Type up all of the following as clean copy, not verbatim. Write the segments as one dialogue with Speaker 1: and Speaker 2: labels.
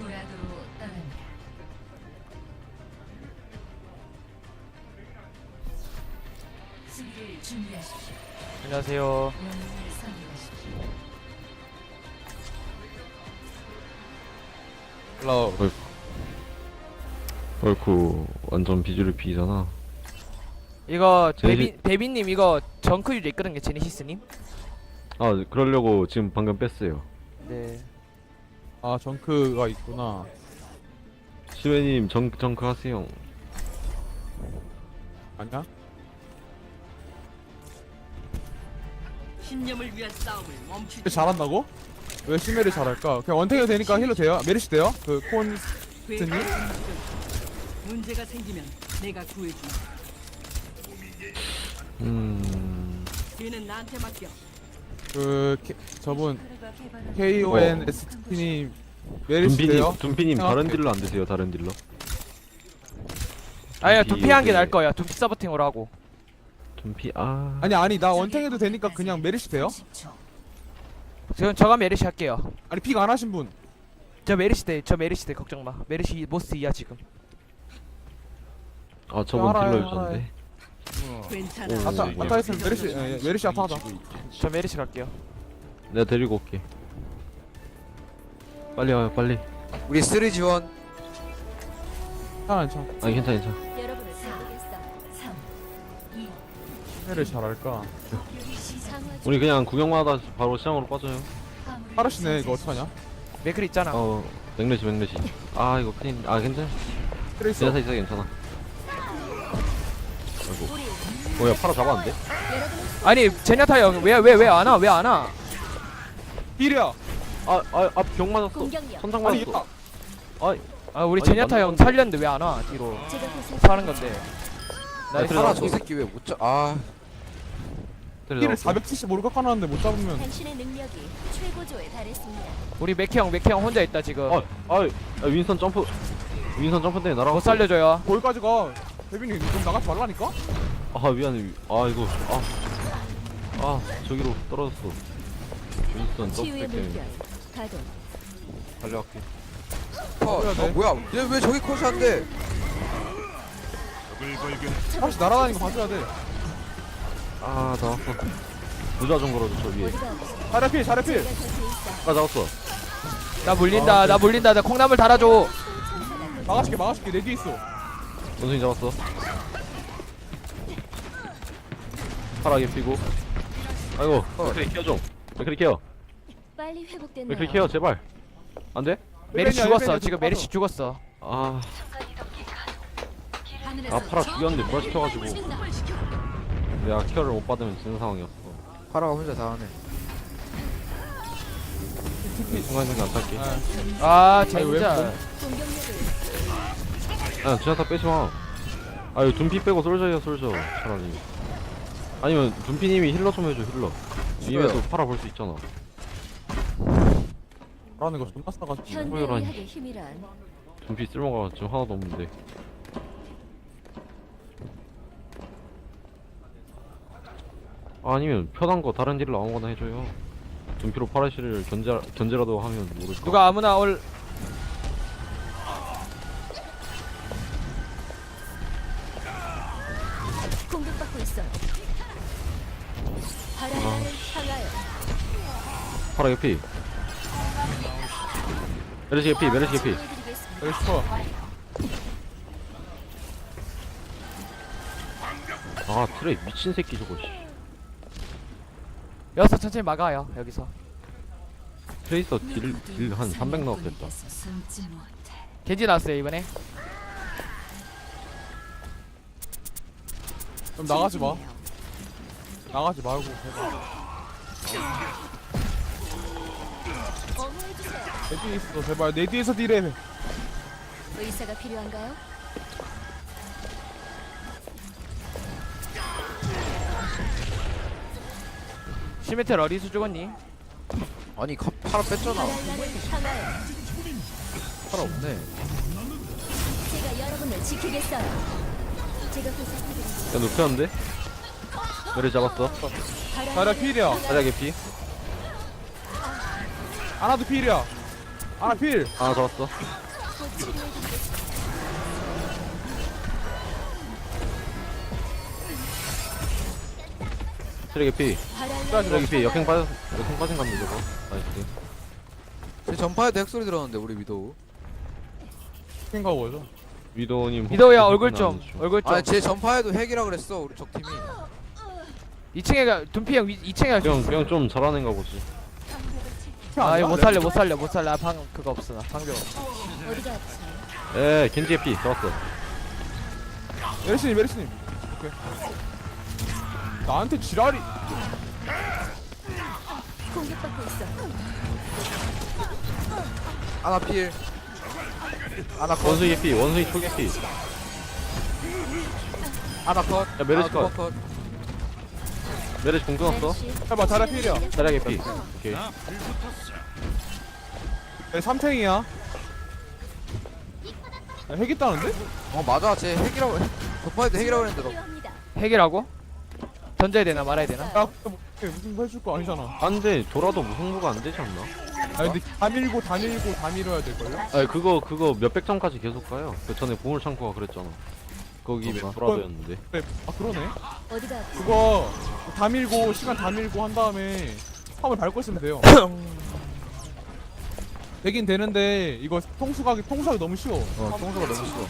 Speaker 1: 무라도로 떠납니다. 수비를 준비하십시오.
Speaker 2: 안녕하세요.
Speaker 1: 영웅을 선택하십시오.
Speaker 3: 헐. 헐쿠 완전 비주얼 B잖아.
Speaker 2: 이거
Speaker 3: 제니시-
Speaker 2: 데비님 이거 정크 유저 있거든요, 제니시스님.
Speaker 3: 아 그러려고 지금 방금 뺐어요.
Speaker 2: 네.
Speaker 4: 아 정크가 있구나.
Speaker 3: 시웨님 정크 하세요.
Speaker 4: 아니야?
Speaker 5: 신념을 위한 싸움을 멈추지.
Speaker 4: 잘한다고? 왜 시메를 잘할까? 그냥 원탱이 되니까 힐러 돼요? 메리시 돼요? 그 콘...
Speaker 5: 괴물이 문제가 생기면 내가 구해준다. 걔는 나한테 맡겨.
Speaker 4: 저분
Speaker 1: 개발한
Speaker 4: KONST님 메리시 돼요?
Speaker 3: 둠피님 다른
Speaker 4: 생각해.
Speaker 3: 딜러 안 되세요? 다른 딜러?
Speaker 2: 아니야,
Speaker 3: 둠피
Speaker 2: 두피 한 게
Speaker 3: 여기-
Speaker 2: 나을 거야. 두피 서버팅으로 하고.
Speaker 3: 둠피
Speaker 4: 아니 나 원탱해도 되니까 그냥 메리시 돼요?
Speaker 1: 30초.
Speaker 2: 지금 저가 메리시 할게요.
Speaker 4: 아니 픽 안 하신 분.
Speaker 2: 저 메리시 돼, 걱정 마. 메리시 모스 이야 지금.
Speaker 3: 아 저번
Speaker 4: 알아요,
Speaker 3: 딜러 유저인데.
Speaker 5: 괜찮아.
Speaker 3: 오,
Speaker 4: 아타
Speaker 3: 네.
Speaker 4: 아타 했으면 메리시 아타 하자.
Speaker 2: 저 메리시 갈게요.
Speaker 3: 내가 데리고 올게. 빨리 와요 빨리.
Speaker 6: 우리 쓰리 지원.
Speaker 4: 괜찮아.
Speaker 3: 아니 괜찮아.
Speaker 1: 여러분을 사겠어. 3, 2,
Speaker 4: 시메를 잘할까?
Speaker 1: 상황
Speaker 3: 우리 그냥 구경만 하다 바로 시장으로 빠져요.
Speaker 4: 파르시네 이거 어떡하냐?
Speaker 2: 맥클 있잖아.
Speaker 3: 맥레시. 아 이거 큰일. 아 괜찮아.
Speaker 4: 트레이서.
Speaker 3: 지나사 있어 괜찮아. 아이고. 뭐야 팔아 잡았는데?
Speaker 2: 아니 제냐타 형 왜 안 와? 왜 안 와?
Speaker 4: 힐이야.
Speaker 3: 병 맞았어.
Speaker 1: 공격력.
Speaker 3: 선장
Speaker 4: 아니
Speaker 3: 맞았어.
Speaker 4: 야.
Speaker 2: 아 우리
Speaker 3: 아니,
Speaker 2: 제냐타 형
Speaker 3: 맞는 건데.
Speaker 2: 살렸는데 왜 안 와? 뒤로
Speaker 1: 제가 보살펴
Speaker 2: 사는 건데.
Speaker 3: 나이스.
Speaker 6: 파라 저 새끼 왜 못 잡? 아
Speaker 4: 힐을 475로 깎아놨는데 못 잡으면
Speaker 1: 당신의 능력이 최고조에 달했습니다.
Speaker 2: 우리 맥키 형 혼자 있다 지금.
Speaker 3: 윈선 점프 때문에 날아가.
Speaker 2: 못 살려줘요.
Speaker 4: 거기까지 가. 대빈이 좀 나가지 말라니까?
Speaker 3: 아 미안해. 이거 저기로 떨어졌어. 윈선
Speaker 1: 치유의
Speaker 3: 점프 때문에
Speaker 1: 물결 가동.
Speaker 3: 달려갈게.
Speaker 4: 해야 돼.
Speaker 6: 뭐야? 얘 왜 저기 컷이한데?
Speaker 4: 다시 날아다니는 거 봐줘야 돼.
Speaker 3: 나왔어. 부자 좀 걸어줘 저 위에.
Speaker 1: 어디가 없어.
Speaker 4: 잘해 필.
Speaker 1: 제가 곁에 있어.
Speaker 3: 잡았어.
Speaker 2: 나 물린다. 나 콩나물 달아줘.
Speaker 4: 막아줄게. 내 뒤에 있어.
Speaker 3: 원숭이 잡았어. 파랗게 피고. 아이고 맥크리 케어 좀. 맥크리 케어.
Speaker 1: 빨리 회복됐나요?
Speaker 3: 맥크리 케어 제발. 안 돼?
Speaker 2: 메리시
Speaker 4: 헬벤이야,
Speaker 2: 죽었어.
Speaker 4: 헬벤이야,
Speaker 2: 지금
Speaker 4: 좀
Speaker 2: 메리시 죽었어.
Speaker 3: 파라 죽였는데 부활시켜가지고 내가 케어를 못 받으면 지는 상황이었어.
Speaker 6: 파라가 혼자 다 하네.
Speaker 3: 순간순간 안 탈게.
Speaker 2: 아
Speaker 4: 왜
Speaker 2: 진짜.
Speaker 1: 공격력을
Speaker 3: 지나타 빼지마. 이거 둠피 빼고 솔저야 솔저 차라리. 아니면 둠피님이 힐러 좀 해줘 힐러. 위에서 팔아 볼 수 있잖아.
Speaker 4: 라는 거 존나 싸가지고.
Speaker 1: 현대의학의 힘이란
Speaker 3: 둠피 쓸모가 지금 하나도 없는데. 아니면 편한 거 다른 딜러 아무거나 해줘요. 둠피로 파라시를 견제라도 하면 모를까.
Speaker 2: 누가 아무나 올.
Speaker 1: 공격받고 있어. 바라를 향하여
Speaker 3: 파라 개피. 메르시 개피.
Speaker 1: 치유해드리겠습니다.
Speaker 4: 여기 싶어.
Speaker 3: 트레이 미친 새끼 저거. 씨.
Speaker 2: 여기서 천천히 막아요. 여기서.
Speaker 3: 트레이서 딜 한 300 나왔겠다.
Speaker 1: 숨지 못해.
Speaker 2: 겐지 나왔어요 이번에.
Speaker 4: 좀 나가지 마. 나가지 말고. 제발.
Speaker 1: 어머해주세요.
Speaker 4: 내 뒤에 있어. 제발 내 뒤에서 딜해.
Speaker 1: 의사가 필요한가요?
Speaker 2: 시메텔 어디서 죽었니?
Speaker 6: 아니 파라 뺐잖아.
Speaker 1: 바라를 향하여
Speaker 6: 파라 없네.
Speaker 1: 제가 여러분을 지키겠어요. 제가 보살펴드리겠습니다.
Speaker 3: 야 높였는데? 메르시 잡았어.
Speaker 4: 자리야 필이야.
Speaker 3: 가자 개피.
Speaker 4: 하나도 필이야. 아 필.
Speaker 3: 하나 더 왔어.
Speaker 1: 곧 치료해드리겠습니다.
Speaker 3: 쓰레기 피.
Speaker 1: 바랄
Speaker 3: 쓰레기 피. 역행 빠진 갑니다 저거. 나이스.
Speaker 6: 제 전파에도 핵소리 들었는데 우리 위도우.
Speaker 4: 생각 뭐죠?
Speaker 3: 위도우님.
Speaker 2: 미도야
Speaker 3: 혹시
Speaker 2: 얼굴
Speaker 3: 해주나
Speaker 2: 좀
Speaker 3: 안 해주죠?
Speaker 2: 얼굴 좀
Speaker 6: 아니 제 전파에도 핵이라 그랬어 우리 적 팀이.
Speaker 2: 2층에 둔피 형 2층에
Speaker 3: 그냥 좀 잘하는 가 보지.
Speaker 2: 아 이거 못 살려 아, 방 그거 없어 나 방벽
Speaker 1: 어디가 아프세요?
Speaker 3: 에 겐지의 피 잡았어.
Speaker 4: 메르시님. 오케이. 나한테 지랄이.
Speaker 1: 공격받고 있어.
Speaker 6: 아나 필. 아나 컷.
Speaker 3: 원숭이 피. 원숭이 초계 피.
Speaker 6: 아나 컷.
Speaker 3: 야, 메르시
Speaker 6: 아나
Speaker 3: 컷.
Speaker 6: 컷.
Speaker 3: 메르시 공 끊었어.
Speaker 1: 메르시.
Speaker 4: 해봐 자라 필이야.
Speaker 3: 자리하게 피. 오케이.
Speaker 4: 네, 3탱이야. 핵 있다는데?
Speaker 6: 어 맞아 제 핵이라고 전파에도 핵이라고 했는데 너.
Speaker 1: 필요합니다.
Speaker 2: 핵이라고? 던져야 되나 말아야 되나?
Speaker 4: 야 뭐, 무슨 거 해줄 거 아니잖아.
Speaker 3: 안돼 돌아도 무승부가 안 되지 않나?
Speaker 4: 아니 근데 다 밀어야 될걸요?
Speaker 3: 아니 그거 몇백 점까지 계속 가요. 그 전에 보물 창고가 그랬잖아. 거기
Speaker 6: 그런가?
Speaker 3: 돌아도였는데.
Speaker 4: 그래. 아 그러네.
Speaker 1: 어디가 아프세요?
Speaker 4: 그거 다 밀고 시간 다 밀고 한 다음에 화물 밟고 있으면 돼요. 되긴 되는데 이거 통수하기 너무 쉬워.
Speaker 6: 통수가 너무 싫어.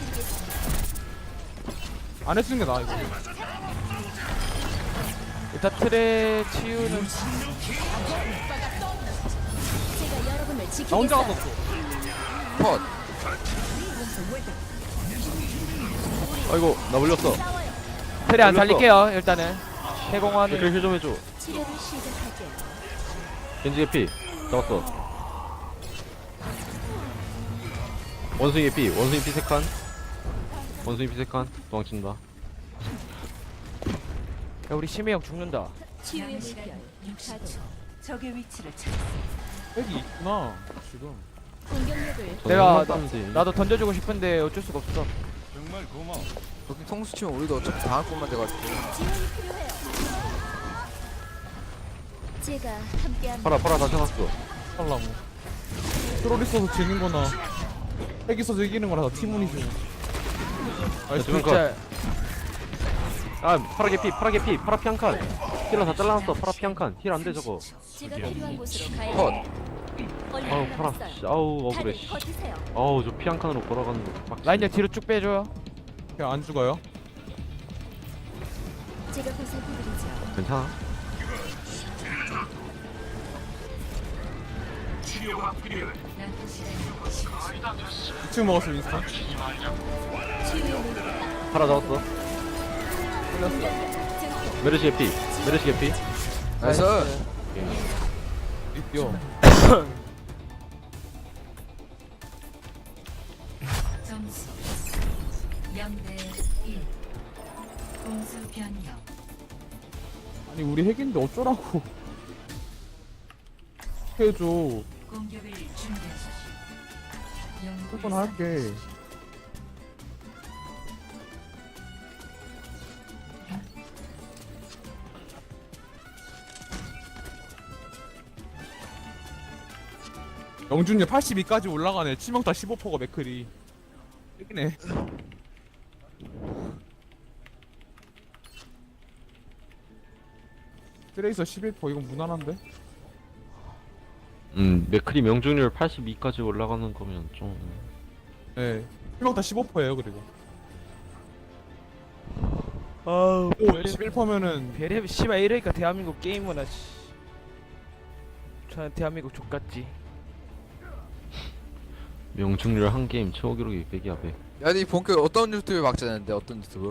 Speaker 4: 안 해주는 게 나아 이거.
Speaker 2: 일단 틀에 치유는
Speaker 1: 제가 여러분을
Speaker 4: 나 혼자
Speaker 1: 지키겠어요.
Speaker 4: 갔었어.
Speaker 6: 컷.
Speaker 3: 아이고 나 물렸어.
Speaker 2: 틀에 안
Speaker 3: 걸렸어.
Speaker 2: 살릴게요 일단은 해공하는
Speaker 3: 댓글 힐좀 해줘.
Speaker 1: 치료를 시작할게요.
Speaker 3: 겐지의 피 잡았어. 원숭이의 피. 원숭이 피 3칸. 원숭이 피 3칸. 도망친다.
Speaker 2: 야 우리 심해 형 죽는다
Speaker 1: 치유의 식별. 가동.
Speaker 5: 적의 위치를 찾.
Speaker 4: 핵이 있구나 지금.
Speaker 1: 공격력을
Speaker 2: 내가
Speaker 3: 따면 돼.
Speaker 2: 나도 던져주고 싶은데 어쩔 수가 없어
Speaker 6: 저기 통수 치면 우리도 어차피 당할 것만 돼가지고.
Speaker 1: 지원이 필요해요. 제가 함께합니다.
Speaker 3: 팔아 다시 해놨어.
Speaker 4: 하려고. 트롤 있어서 지는 거나 핵 있어서 이기는 거나 다 팀운이지. 아니
Speaker 3: 두명
Speaker 2: 진짜
Speaker 3: 아 파라게 피. 파라 피 한 칸. 힐러 다 잘라놨어. 파라 피 한 칸. 힐 안 돼 저거.
Speaker 1: 제가 필요한 곳으로 가야
Speaker 6: 컷.
Speaker 1: 해요. 얼른
Speaker 3: 아우 파라.
Speaker 1: 남았어요.
Speaker 3: 씨, 아우 억울해.
Speaker 1: 다들
Speaker 3: 씨.
Speaker 1: 버티세요.
Speaker 3: 아우 저 피 한 칸으로 걸어가는 거. 빡치네.
Speaker 2: 라인저 뒤로 쭉 빼줘요
Speaker 4: 그냥 안 죽어요.
Speaker 1: 제가 보살펴드리죠.
Speaker 3: 괜찮아.
Speaker 4: 이 친구 먹었어 윈스턴.
Speaker 1: 치유의 물가.
Speaker 3: 파라 잡았어.
Speaker 1: 증폭.
Speaker 3: 메르시의 피. 메르시의 피.
Speaker 6: 나이스.
Speaker 4: 뛰어.
Speaker 5: 점수 0대 1. 공수 변경.
Speaker 4: 아니 우리 핵인데 어쩌라고. 해줘.
Speaker 5: 공격을 준비하십시오.
Speaker 4: 한번 할게. 영준이 82까지 올라가네. 치명타 15%가 맥클이. 핵이네. 트레이서 11% 이건 무난한데?
Speaker 3: 맥크리 명중률 82까지 올라가는 거면 좀.
Speaker 4: 네. 치명타 15%예요 그리고.
Speaker 2: 아우
Speaker 4: 오 11%면은
Speaker 2: 베레 씨발 이러니까 대한민국 게임 문화 씨 저는 대한민국 족같지
Speaker 3: 명중률 한 게임 최고 기록이 100이야 100.
Speaker 6: 야니 본격 어떤 유튜브에 막자는데 어떤 유튜브?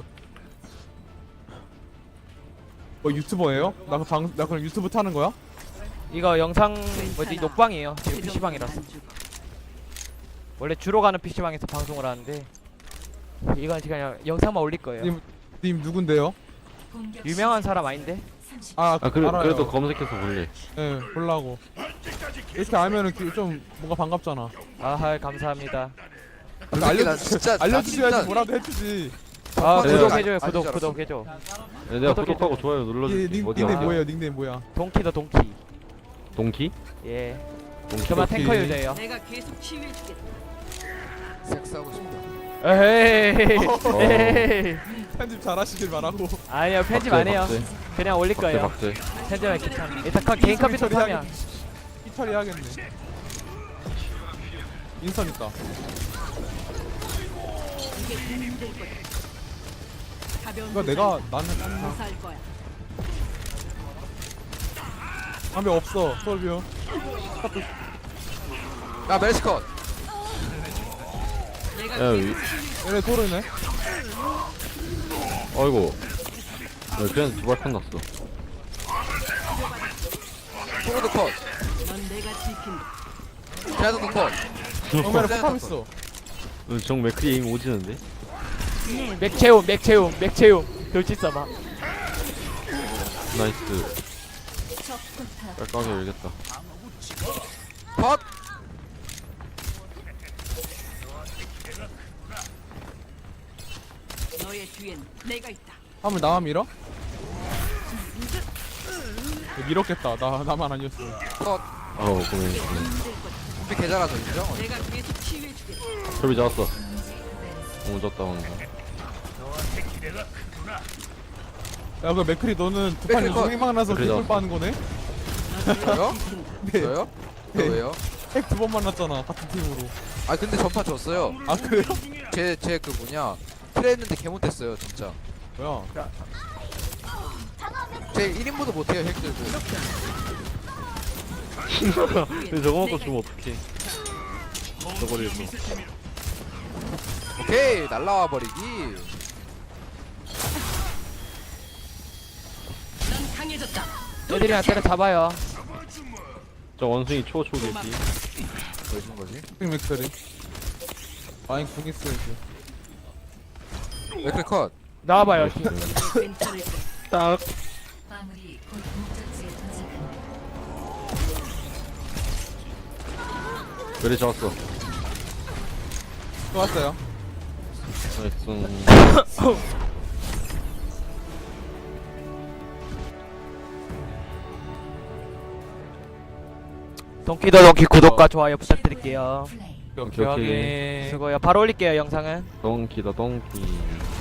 Speaker 4: 뭐 유튜버예요? 나 그럼 유튜브 타는 거야?
Speaker 2: 이거 영상 뭐지 녹방이에요 지금 PC방이라서 원래 주로 가는 PC방에서 방송을 하는데 이건 그냥 영상만 올릴 거예요
Speaker 4: 님 누군데요?
Speaker 2: 유명한 사람 아닌데?
Speaker 4: 아 알아요.
Speaker 3: 그래도 검색해서 볼래.
Speaker 4: 예, 보려고. 이렇게 알면은 좀 뭔가 반갑잖아.
Speaker 2: 아하 감사합니다
Speaker 6: 솔직히 난 진짜
Speaker 4: 알려주셔야지 뭐라도 해주지.
Speaker 2: 아
Speaker 3: 네.
Speaker 2: 구독해줘요
Speaker 6: 아닌 줄 알았어.
Speaker 2: 구독해줘
Speaker 3: 네, 내가
Speaker 2: 구독해.
Speaker 3: 구독하고 좋아요 눌러줄게.
Speaker 4: 닉네임
Speaker 3: 어디야?
Speaker 4: 뭐예요? 닉네임 뭐야?
Speaker 2: 동키다 동키
Speaker 3: 동키?
Speaker 2: 예 저만 탱커
Speaker 4: 오케이.
Speaker 2: 유저예요.
Speaker 7: 내가 계속 치유해주겠다.
Speaker 6: 섹스하고 싶다.
Speaker 2: 에헤이. 에헤이.
Speaker 4: 편집 잘하시길 바라고.
Speaker 2: 아니요 편집
Speaker 3: 박제,
Speaker 2: 안 해요.
Speaker 3: 박제.
Speaker 2: 그냥 올릴
Speaker 3: 박제
Speaker 2: 거예요.
Speaker 3: 박제.
Speaker 2: 편집은 귀찮아. 일단 개인 컴퓨터 사면.
Speaker 4: 피 처리해야겠네. 인선 있다.
Speaker 7: 이게 도움될 거다. 가벼운
Speaker 4: 이거 내가 나는
Speaker 7: 무사할 거야.
Speaker 4: 담배 없어. 솔비오.
Speaker 6: 야 멜스컷.
Speaker 7: 내가
Speaker 3: 야 위.
Speaker 4: 얘네 토르네.
Speaker 3: 아이고. 야, 그냥 두발 컷 났어.
Speaker 6: 토르도 컷.
Speaker 7: 넌 내가 지킨다.
Speaker 6: 제아도도 컷.
Speaker 4: 정면에 포탑 있어.
Speaker 3: 정 맥크리 에임 오지는데?
Speaker 2: 맥채움 맥채움 맥채움. 돌진 써봐.
Speaker 3: 나이스.
Speaker 1: 적 포탑
Speaker 3: 깔끔하게 열겠다.
Speaker 6: 컷.
Speaker 7: 너의 뒤엔 내가 있다.
Speaker 4: 한번 나만 밀어? 밀었겠다. 나만 아니었어.
Speaker 6: 컷.
Speaker 3: 아우 고민.
Speaker 6: 준비 개잘하죠 인정?
Speaker 7: 내가 계속 치유해주겠다.
Speaker 3: 철비 잡았어. 너무 졌다 오늘.
Speaker 4: 야, 그 맥크리 너는 두 판
Speaker 6: 맥크리
Speaker 4: 연속
Speaker 6: 컷.
Speaker 4: 핵망 나서
Speaker 3: 맥크리
Speaker 4: 개꿀
Speaker 3: 나왔어.
Speaker 4: 빠는 거네?
Speaker 6: 저요?
Speaker 4: 네.
Speaker 6: 저요? 저
Speaker 4: 네.
Speaker 6: 왜요?
Speaker 4: 핵 두 번 만났잖아. 같은 팀으로.
Speaker 6: 아 근데 전파 졌어요.
Speaker 4: 아, 그래요?
Speaker 6: 제 그 뭐냐 트레 했는데 개 못했어요 진짜.
Speaker 4: 뭐야?
Speaker 6: 제 1인분도 못해요 핵 들고.
Speaker 3: 근데 저거 먹고 주면 어떡해. 저거를 뭐.
Speaker 6: 오케이 날라와 버리기.
Speaker 7: 넌 강해졌다.
Speaker 2: 애들이랑 때려 잡아요.
Speaker 3: 저 원숭이 초초겠지.
Speaker 6: 뭐 해준 거지?
Speaker 4: 핵 맥크리. 마인 궁 있어, 이제.
Speaker 6: 맥클 컷.
Speaker 2: 나와봐요.
Speaker 7: 괜찮을 거야.
Speaker 3: 딱.
Speaker 5: 마무리 곧 목적지에 도착합니다.
Speaker 3: 그래 잡았어.
Speaker 4: 또 왔어요.
Speaker 3: 나이스.
Speaker 2: 동키도 동키 구독과 좋아요 부탁드릴게요.
Speaker 5: 플레이.
Speaker 4: 오케이,
Speaker 3: 오케이.
Speaker 4: 오케이.
Speaker 2: 수고요. 바로 올릴게요 영상은.
Speaker 3: 덩키다 덩키.